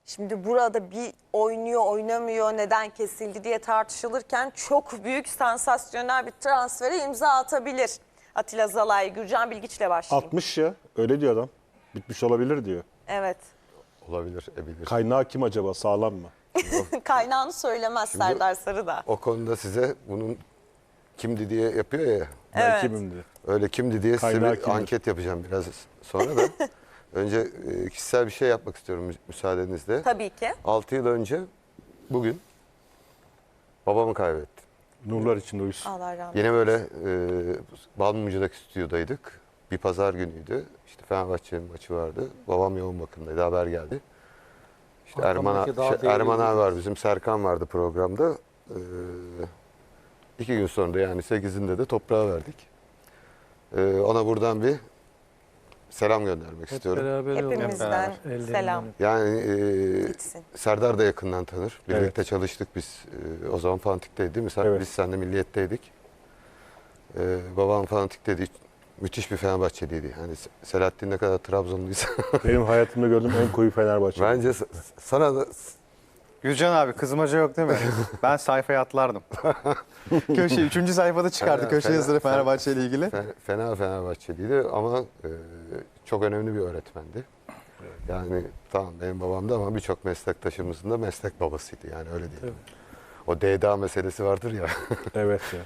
Şimdi burada bir oynuyor oynamıyor neden kesildi diye tartışılırken çok büyük sansasyonel bir transfere imza atabilir. Atilla Zalai, Gürcan Bilgiç'le başlayayım. 60 ya. Öyle diyor adam. Bitmiş olabilir diyor. Evet. Olabilir, ebilir. Kaynağı kim acaba? Sağlam mı? Kaynağını söylemez Serdar Sarıdağ. O konuda size bunun kimdi diye yapıyor ya. Ben Evet. kimim diye. Öyle kimdi diye size Kaynağı bir kimdir? anket yapacağım biraz sonra da. Önce kişisel bir şey yapmak istiyorum müsaadenizle. Tabii ki. 6 yıl önce bugün babamı kaybettim. Nurlar içinde uyusun. Allah rahmet. Yine böyle Balmumcu'daki stüdyodaydık. Bir pazar günüydü. İşte Fenerbahçe'nin maçı vardı. Babam yoğun bakımdaydı. Haber geldi. İşte Erman abi var, bizim Serkan vardı programda. 2 gün sonra da yani 8'inde de toprağa verdik. Ona buradan bir selam göndermek istiyorum. Hepimizden selam. Yani Gitsin. Serdar da yakından tanır. Birlikte Evet. çalıştık biz. O zaman Fanatik'teydi değil mi? Evet. Biz seninle Milliyet'teydik. Babam Fanatik'teydi. Müthiş bir Fenerbahçeliydi. Hani Selahattin ne kadar Trabzonluysa. Benim hayatımda gördüğüm en koyu Fenerbahçe. Bence sana da Gürcan abi kızmaca yok değil mi? Ben sayfaya atlardım. Köşe 3. sayfada çıkardı köşe yazıları Fenerbahçe ile ilgili. fena Fenerbahçeliydi ama çok önemli bir öğretmendi. Yani tamam benim babam da ama birçok meslektaşımızın da meslek babasıydı. Yani öyle değil. O DDA meselesi vardır ya. Evet ya.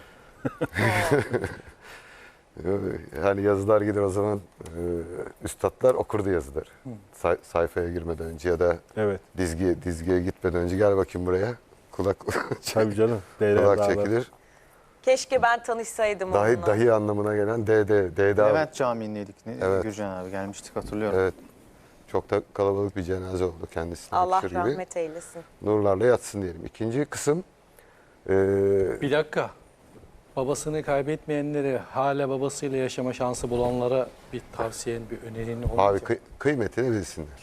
Hani yazılar gider o zaman üstadlar okurdu yazıları. Sayfaya girmeden önce ya da Evet. dizgiye gitmeden önce gel bakayım buraya. Kulak Tabii canım. kulak çekilir. Keşke ben tanışsaydım onunla. Dahi anlamına gelen DDA. Levent Camii'ndeydik. Evet. Gürcan abi gelmiştik hatırlıyorum. Evet. Çok da kalabalık bir cenaze oldu kendisine. Allah yakışır gibi. rahmet eylesin. Nurlarla yatsın diyelim. İkinci kısım Bir dakika. Babasını kaybetmeyenleri hala babasıyla yaşama şansı bulanlara bir tavsiyen, bir önerin olacak. abi kıymetini bilsinler.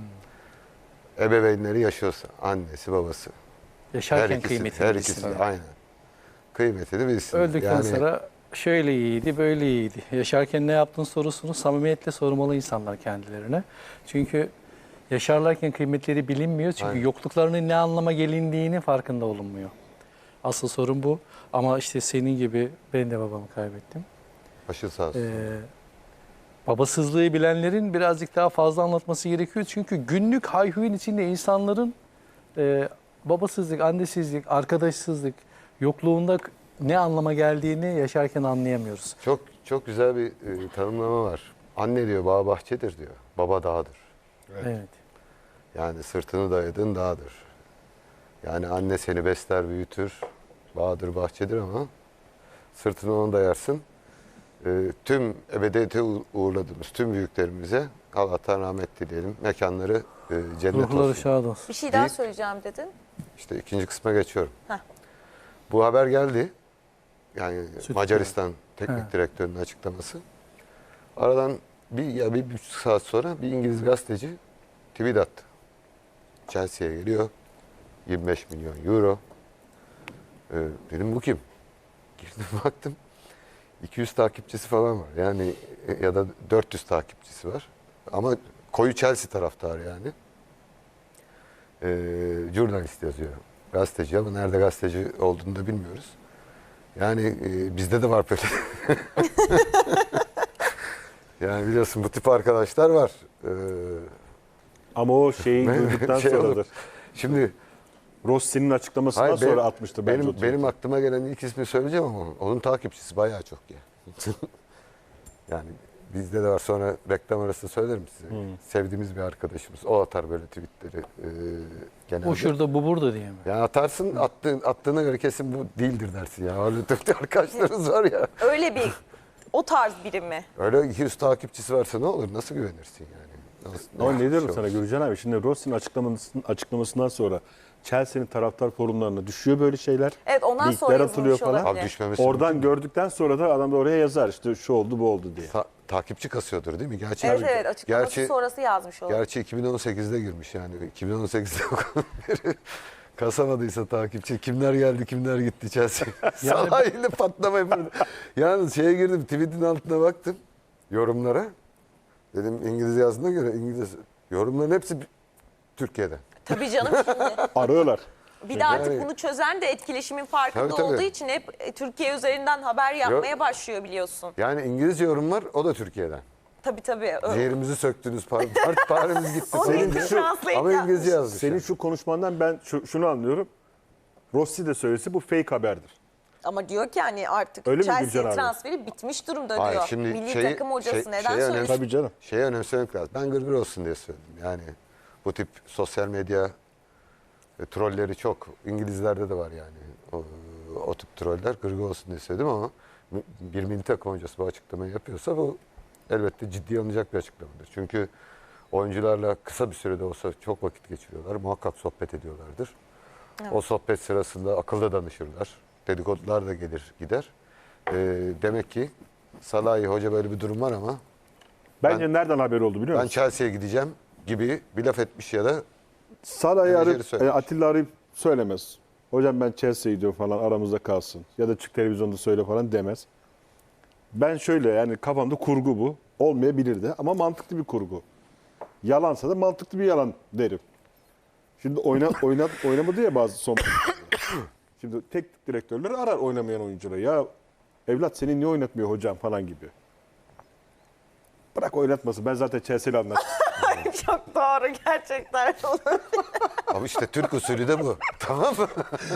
Ebeveynleri yaşıyorsa annesi babası. Yaşarken kıymetini her ikisi de bilsinler. aynen. Kıymetini bilsinler. Öldükten sonra şöyle iyiydi, böyle iyiydi. Yaşarken ne yaptın sorusunu samimiyetle sormalı insanlar kendilerine. Çünkü yaşarlarken kıymetleri bilinmiyor. Çünkü Aynen. yokluklarının ne anlama gelindiğini farkında olunmuyor. Asıl sorun bu. Ama işte senin gibi ben de babamı kaybettim. başı sağ olsun. Babasızlığı bilenlerin birazcık daha fazla anlatması gerekiyor. Çünkü günlük hayhuyun içinde insanların babasızlık, annesizlik, arkadaşsızlık, yokluğunda ne anlama geldiğini yaşarken anlayamıyoruz. Çok güzel bir tanımlama var. Anne diyor bağ bahçedir diyor. Baba dağdır. Evet. Yani sırtını dayadığın dağdır. Yani anne seni besler, büyütür. Bağdır, bahçedir ama sırtını ona dayarsın. Tüm ebediyete uğurladığımız tüm büyüklerimize Allah'tan rahmet dileyelim. Mekanları cennet Ruhları olsun. şad olsun. Bir şey daha Deyip- söyleyeceğim dedin. İşte ikinci kısma geçiyorum. Heh. Bu haber geldi. Yani Süt Macaristan teknik He. direktörünün açıklaması. Aradan bir buçuk saat sonra bir İngiliz gazeteci tweet attı. Chelsea'ye geliyor. 25 milyon euro. Dedim bu kim? Girdim baktım. 200 takipçisi falan var. Yani ya da 400 takipçisi var. Ama koyu Chelsea taraftarı yani. Jurnalist yazıyor. Gazeteci ama nerede gazeteci olduğunu da bilmiyoruz. Yani bizde de var böyle. Yani biliyorsun bu tip arkadaşlar var. Ama o şeyi gördükten Şey olur. sonradır. Şimdi Rossi'nin açıklamasından hayır, sonra atmıştı bence o benim aklıma gelen ilk ismi söyleyeceğim ama onun takipçisi bayağı çok ya. Yani bizde de var, sonra reklam arası söylerim size. Sevdiğimiz bir arkadaşımız. O atar böyle tweetleri genelde. O şurada bu burada diye mi? Yani atarsın, attığına göre kesin bu değildir dersin ya. Öyle Türk arkadaşlarınız var ya. Öyle bir o tarz biri mi? Öyle 200 takipçisi varsa ne olur? Nasıl güvenirsin yani? Ama ne diyorum şey sana olur? Gürcan abi? Şimdi Rossi'nin açıklamasından sonra Chelsea'nin taraftar forumlarına düşüyor böyle şeyler. Evet, ondan sonra Linkler atılıyor yazılmış falan. olabilir. Abi düşmemesi Oradan mümkün mü? gördükten sonra da adam da oraya yazar işte şu oldu bu oldu diye. Takipçi kasıyordur değil mi? Gerçi, Evet açıklaması sonrası yazmış olabilir. Gerçi 2018'de girmiş yani. 2018'de o kadar beri kasamadıysa takipçi. Kimler geldi, kimler gitti Chelsea. Sanayiyle patlama yapıyordu. Yalnız şeye girdim, tweet'in altına baktım. Yorumlara. Dedim İngiliz yazdığına göre İngiliz. Yorumların hepsi Türkiye'den. Tabii canım şimdi. Arıyorlar. Bir de artık Yani- bunu çözen de etkileşimin farkında Tabii, tabii. olduğu için hep Türkiye üzerinden haber yapmaya başlıyor biliyorsun. Yani İngilizce yorum var, o da Türkiye'den. Tabii. Ciğerimizi söktünüz, parimiz gitti. Onu Senin İngilizce de- translate ama yapmış. İngilizce yazmış. Senin şu konuşmandan ben şunu anlıyorum. Rossi de söylese bu fake haberdir. Ama diyor ki hani artık Öyle mi Chelsea Gülcan abi? transferi bitmiş durumda Hayır, diyor. şimdi Milli takım hocası neden şeyi söylüyor? Tabii canım. Şeyi önemsemek lazım. Ben gırgır olsun diye söyledim. Yani bu tip sosyal medya trolleri çok. İngilizlerde de var yani. O tip troller gırgır olsun diye söyledim ama bir milli takım hocası bu açıklamayı yapıyorsa bu elbette ciddiye alınacak bir açıklamadır. Çünkü oyuncularla kısa bir sürede olsa çok vakit geçiriyorlar. Muhakkak sohbet ediyorlardır. O sohbet sırasında akılda danışırlar. Dedikodular da gelir gider. Demek ki Salahi Hoca böyle bir durum var ama Bence nereden haber oldu biliyor ben musun? Chelsea'ye gideceğim gibi bir laf etmiş ya da Salah'ı menajeri arayıp söylemiş. Atilla arayıp söylemez. Hocam ben Chelsea'ye gidiyorum falan aramızda kalsın. Ya da çık televizyonda söyle falan demez. Ben şöyle yani kafamda kurgu bu. Olmayabilir de ama mantıklı bir kurgu. Yalansa da mantıklı bir yalan derim. Şimdi oynamadı ya bazı son. Şimdi teknik direktörler arar oynamayan oyuncuları. Ya evlat seni niye oynatmıyor hocam falan gibi. Bırak oynatmasın. Ben zaten Chelsea'yle anlaştım. Çok doğru gerçekten. ama işte Türk usulü de bu. Tamam mı?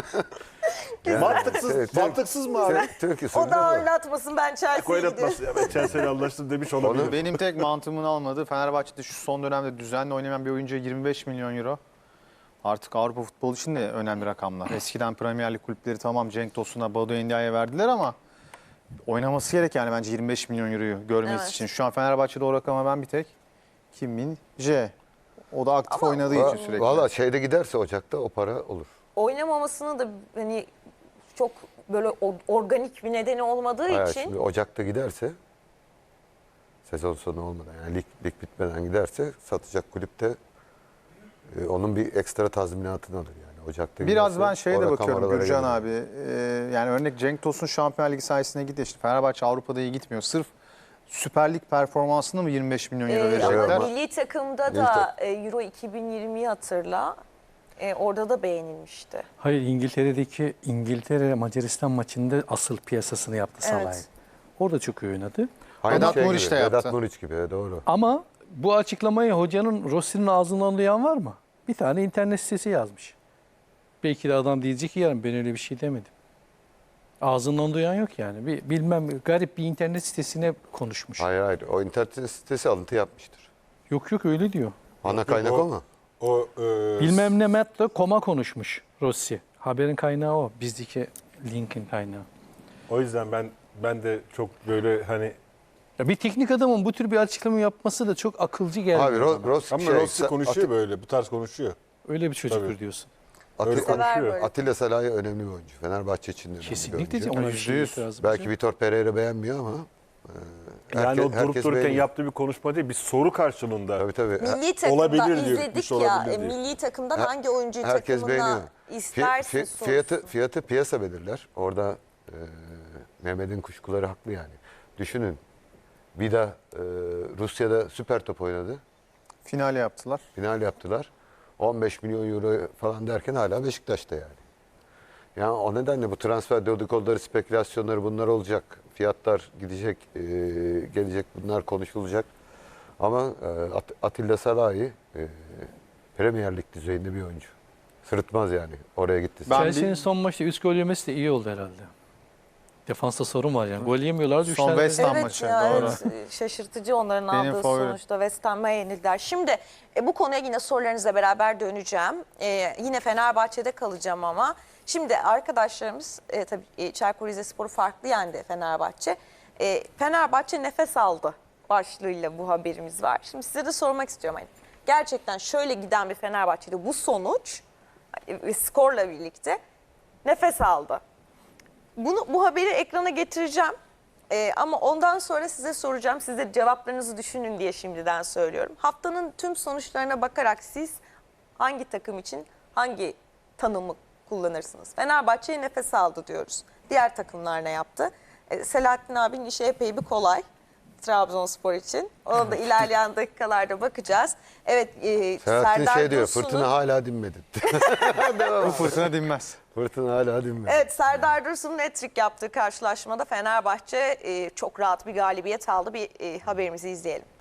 Mantıksız, Evet, mantıksız mı abi? Türk usulü O de da bu. oynatmasın ben Chelsea'ye gidiyorum. Oynatmasın ya ben Chelsea'yle anlaştım demiş olabilir. Benim tek mantığımın almadığı Fenerbahçe'de şu son dönemde düzenli oynamayan bir oyuncuya 25 milyon euro. Artık Avrupa futbolu için de önemli rakamlar. Eskiden Premier Lig kulüpleri tamam Cenk Tosun'a, Badu Endia'ya verdiler ama oynaması gerek yani bence 25 milyon euroyu görmesi Evet. için. Şu an Fenerbahçe'de o rakama ben bir tek Kim Min Jae. O da aktif oynadığı için sürekli. Valla şeyde giderse Ocak'ta o para olur. Oynamamasını da hani çok böyle organik bir nedeni olmadığı Hayır, için şimdi Ocak'ta giderse sezon sonu olmadan yani lig bitmeden giderse satacak kulüpte onun bir ekstra tazminatını alır yani. Ocak'ta Biraz giderse ben şeye o de rakam bakıyorum oralara Gürcan gelir. abi. Yani örnek Cenk Tosun Şampiyonlar Ligi sayesinde gidiyor. İşte Fenerbahçe Avrupa'da iyi gitmiyor. Sırf Süper Lig performansına mı 25 milyon euro verecekler? ama milli takımda da Euro 2020'yi hatırla. Orada da beğenilmişti. Hayır İngiltere Macaristan maçında asıl piyasasını yaptı Evet. Salah'ı. Orada çok iyi oynadı. Aynı Vedat şey Muriç gibi, de yaptı. Vedat Muriç gibi doğru. Ama bu açıklamayı hocanın Rossi'nin ağzından duyan var mı? Bir tane internet sitesi yazmış. Belki de adam diyecek ki yarın ben öyle bir şey demedim. Ağzından duyan yok yani. Bilmem garip bir internet sitesine konuşmuş. Hayır o internet sitesi alıntı yapmıştır. Yok öyle diyor. Ana kaynak o mu? O Bilmem ne Matt'la koma konuşmuş Rossi. Haberin kaynağı o. Bizdeki linkin kaynağı. o yüzden ben de çok böyle hani Ya bir teknik adamın bu tür bir açıklama yapması da çok akılcı gelmiyor Abi bana. Rossi ama Rossi konuşuyor böyle bu tarz konuşuyor. Öyle bir çocuktur Tabii. diyorsun. Öyle Sever konuşuyor. böyle. Atilla Salahi önemli bir oyuncu. Fenerbahçe için de önemli bir Kesinlikle oyuncu. diyeceğim. Ona bir şey %100. itirazım Belki yok. Vitor Pereira beğenmiyor ama Yani o durup herkes dururken beğeniyor. yaptığı bir konuşma değil bir soru karşılığında. Tabii. Milli takımda olabilir diyor, izledik gitmiş ya. olabilir diyor. Milli takımdan hangi oyuncuyu Herkes takımına beğeniyor. istersin sorusu. Fiyatı piyasa belirler. Orada Mehmet'in kuşkuları haklı yani. Düşünün. Vida Rusya'da süper top oynadı. Final yaptılar. Final yaptılar. 15 milyon euro falan derken hala Beşiktaş'ta yani. Yani o nedenle bu transfer dedikoduları, spekülasyonları bunlar olacak. Fiyatlar gidecek, gelecek bunlar konuşulacak. Ama Atilla Salahi Premier Lig düzeyinde bir oyuncu. Sırıtmaz yani oraya gitti. Ben Chelsea'nin son maçta 3 gol yemesi de iyi oldu herhalde. Defansta sorun var yani. Gol yemiyorlardı. üç Son tane de- West Ham Evet maçı, ya, doğru. evet, şaşırtıcı onların Benim aldığı favorim. sonuçta West Ham'a yenildiler. Şimdi bu konuya yine sorularınızla beraber döneceğim. Yine Fenerbahçe'de kalacağım ama. Şimdi arkadaşlarımız tabii Çaykur Rizespor'u farklı yendi Fenerbahçe. Fenerbahçe nefes aldı başlığıyla bu haberimiz var. Şimdi size de sormak istiyorum. Hani, gerçekten şöyle giden bir Fenerbahçe'de bu sonuç ve skorla birlikte nefes aldı. Bu haberi ekrana getireceğim. Ama ondan sonra size soracağım. Siz de cevaplarınızı düşünün diye şimdiden söylüyorum. Haftanın tüm sonuçlarına bakarak siz hangi takım için hangi tanımı kullanırsınız? Fenerbahçe'ye nefes aldı diyoruz. Diğer takımlar ne yaptı? Selahattin abinin işi epey bir kolay. Trabzonspor için. Ona da ilerleyen dakikalarda bakacağız. Evet, Selahattin Serdar şey diyor, Dursun'un... fırtına hala dinmedi. Bu fırtına dinmez. Fırtına hala dinmedi. Evet, Serdar Dursun'un hat-trick yaptığı karşılaşmada Fenerbahçe çok rahat bir galibiyet aldı. Bir haberimizi izleyelim.